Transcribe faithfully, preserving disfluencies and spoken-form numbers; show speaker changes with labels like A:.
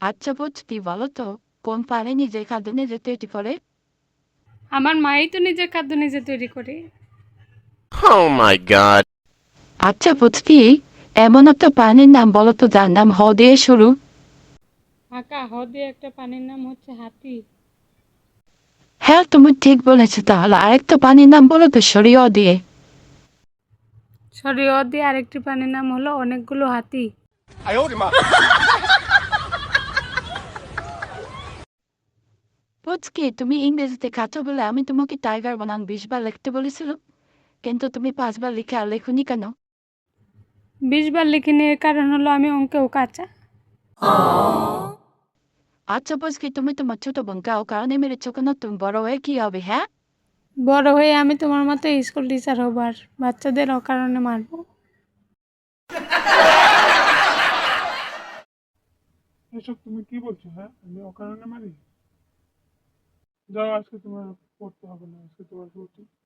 A: আচ্ছা বুঝতি বলো তো, কোন প্রাণী নিজের খাদ্য নিজে তৈরি করে?
B: আমার মাই তো নিজের খাদ্য নিজে তৈরি করে।
C: Oh my god.
A: আচ্ছা বুঝতি, এমন একটা প্রাণীর নাম বলো তো যার নাম হ দিয়ে শুরু।
B: আঁকা হ দিয়ে একটা পানির নাম হচ্ছে হাতি।
A: হ্যাঁ তুমি ঠিক বলেছো, তাহলে আরেকটা প্রাণীর নাম বলো তো সরি অ দিয়ে।
B: সরি অ দিয়ে আরেকটি প্রাণীর নাম হলো অনেকগুলো হাতি।
A: বুঝকি, তুমি ইংরেজিতে কাঁচো বলে আমি তোমাকে টাইগার বানান বিশ বার লিখতে বলেছিলাম, কিন্তু তুমি পাঁচবার লিখে আর লেখুনি কেন?
B: বিশ বার লিখিনি, এর কারণ হলো আমি অঙ্কেও কাঁচা।
A: আচ্ছা বুঝকি, তুমি তোমার ছোট বোনকে ও কারণে মেরেছো কেন? তুমি বড় হয়ে কি হবে? হ্যাঁ,
B: বড় হয়ে আমি তোমার মতো স্কুল টিচার হব আর বাচ্চাদের অকারণে মারবো।
D: এসব তুমি কি বলছো? হ্যাঁ, আমি অকারণে মারি? যাও, আজকে তোমার পড়তে হবে না, আজকে তোমার ছুটি।